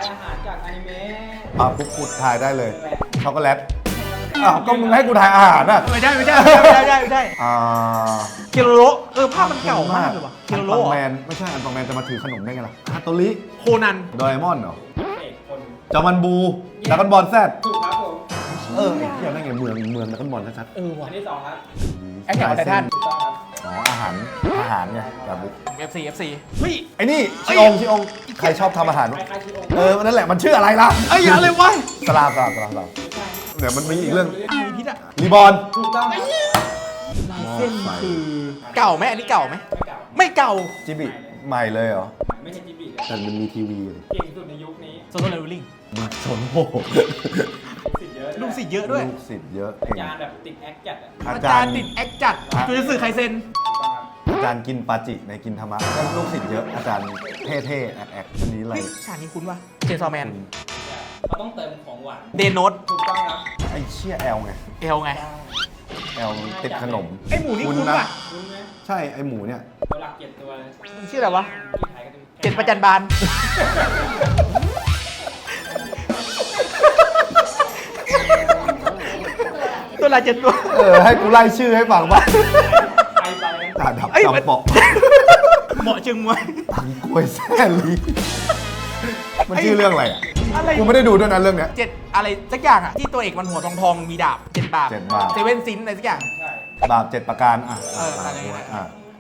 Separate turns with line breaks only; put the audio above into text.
อาหารจากอนิเมะ
กูทายได้เลยช็อกโกแลตก็มึงให้กูทายอาหารอ่ะ
ไม่ได้เคโรโรภาพมันเก่ามากเลยว่ะเค
อัน
โรโร
ปังแมนไม่ใช่อันปังแมนจะมาถือขนมได้ไงล่ะฮาโตริ
โคนัน
โดเรมอนเหรอ
เอกคน
จอมันบูดราก้อนบอลแซด
ถูกครับผม
เกี่ยวได้ไงเมืองดราก้อนบอลชัด
ว่ะ
อันที่2ครับ
ๆ
แอคแท็กออนไททัน
ถูกต้องครับ
อ๋ออาหารไงแบบบุ๊ก
FC เฮ้ย
ไอ้นี่ชิองใครชอบทำอาหาร
คล้ายๆชิโอ
นั่นแหละมันชื่ออะไรล่ะ
ไอ้ยอะไรวะ
สลามเดี๋ยวมันมีอีกเรื่อง
มีพิษอะ
รีบอน
ถูกต้องครับ
เส้นคือเก่าไหมอันนี้เก่าไหม
ไม่เก่า
ไม่เก่า
จิบิใหม่เลยเหรอ
ไม่ใช่จิบิเลย
แต่มันมีทีวีเลย
เก่งสุดในยุคนี้
โซโล่เลเวลลิ่ง
มึงสนโห
สิทธิ์เยอะ
ลูกศิษย์เยอะด้วย
ลูกศิษย์เยอะ
อาจารย์แบบติดแอคจัดอะ
อาจารย์ติดแอคจัดจูจะสื่อไคเซน
ถูกต้องครับ
อาจารย์กินปาจิในกินธรรมะก็ลูกศิษย์เยอะอาจารย์เท่ๆแอกอันนี้อะไร
เฮ้ยฉากนี้คุ้นปะเชนซอแมน
เขาต้องเติมของหวาน
เดนโนต
ถูกต้องครับ
ไอ้เชี่ยแอลไง
เอลไง
แอลติดขนม
ไอหมูนี่คุ้นปะ
รู้ไหม
ใช่ไอ้หมูเนี่ย
ตัวหลัก7ตัวเลย
มันชื่ออะไรวะ
ที่ไทยก็จะมี
เจ็ดประจันบาน ตัวละเจ็ดตัว
ให้กูไล่ชื่อให้ฟังว่า
ไปนะ
จ่าดับ
เอ้ย
จำเปาะ
เหมาะจึงมวย
ตังกล้วยแซ่ลีมันชื่อเรื่องอะไรอ่ะ
อะไร
กูไม่ได้ดูด้วยนะเรื่องเนี้ย
เจ็ดอะไรสักอย่างอ่ะ ที่ตัวเอกมันหัวทองมีดาบเจ็ดบาป
เจ็ดบาป
เซเว่นซินอะไรสักอย่าง
ใช่
บาป7 ประการ
อะไรเงี้ย
อ่ะ